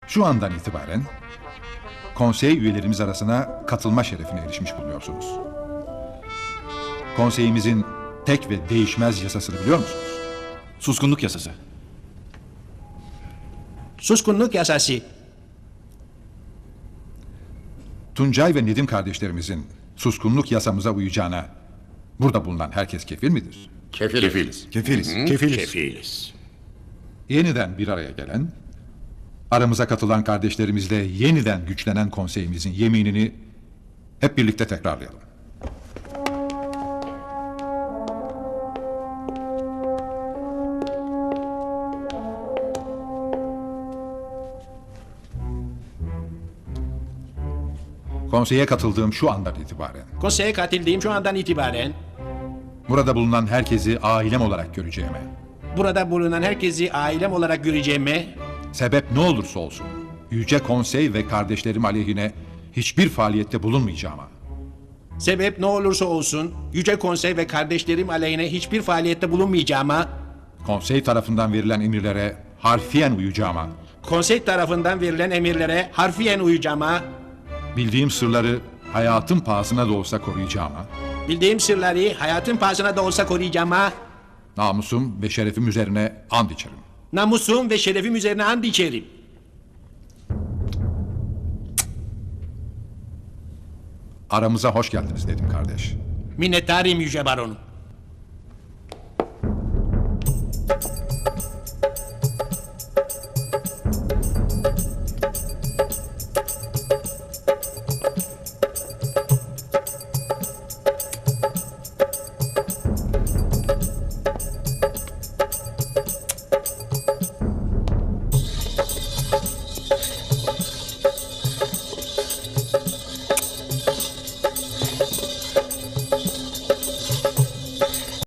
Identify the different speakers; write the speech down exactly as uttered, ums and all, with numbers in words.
Speaker 1: Şu andan itibaren konsey üyelerimiz arasına katılma şerefine erişmiş bulunuyorsunuz. Konseyimizin tek ve değişmez yasasını biliyor musunuz?
Speaker 2: Suskunluk yasası.
Speaker 3: Suskunluk yasası.
Speaker 1: Tuncay ve Nedim kardeşlerimizin suskunluk yasamıza uyacağına burada bulunan herkes kefil midir?
Speaker 4: Kefiliz.
Speaker 2: Kefiliz.
Speaker 1: Kefiliz.
Speaker 4: Kefiliz. Kefiliz.
Speaker 1: Yeniden bir araya gelen, aramıza katılan kardeşlerimizle yeniden güçlenen konseyimizin yeminini hep birlikte tekrarlayalım. Konseye katıldığım şu andan itibaren
Speaker 3: Konseye katıldığım şu andan itibaren
Speaker 1: burada bulunan herkesi ailem olarak göreceğime,
Speaker 3: burada bulunan herkesi ailem olarak göreceğime,
Speaker 1: sebep ne olursa olsun Yüce Konsey ve kardeşlerim aleyhine hiçbir faaliyette bulunmayacağıma,
Speaker 3: sebep ne olursa olsun Yüce Konsey ve kardeşlerim aleyhine hiçbir faaliyette bulunmayacağıma,
Speaker 1: konsey tarafından verilen emirlere harfiyen uyacağıma,
Speaker 3: konsey tarafından verilen emirlere harfiyen uyacağıma,
Speaker 1: bildiğim sırları hayatım pahasına da olsa koruyacağıma,
Speaker 3: bildiğim sırları hayatın pahasına da olsa koruyacağıma,
Speaker 1: namusum ve şerefim üzerine and içerim.
Speaker 3: namusum ve şerefim üzerine and içerim.
Speaker 1: Aramıza hoş geldiniz dedim kardeş.
Speaker 3: Minnettarım Yüce Baronum.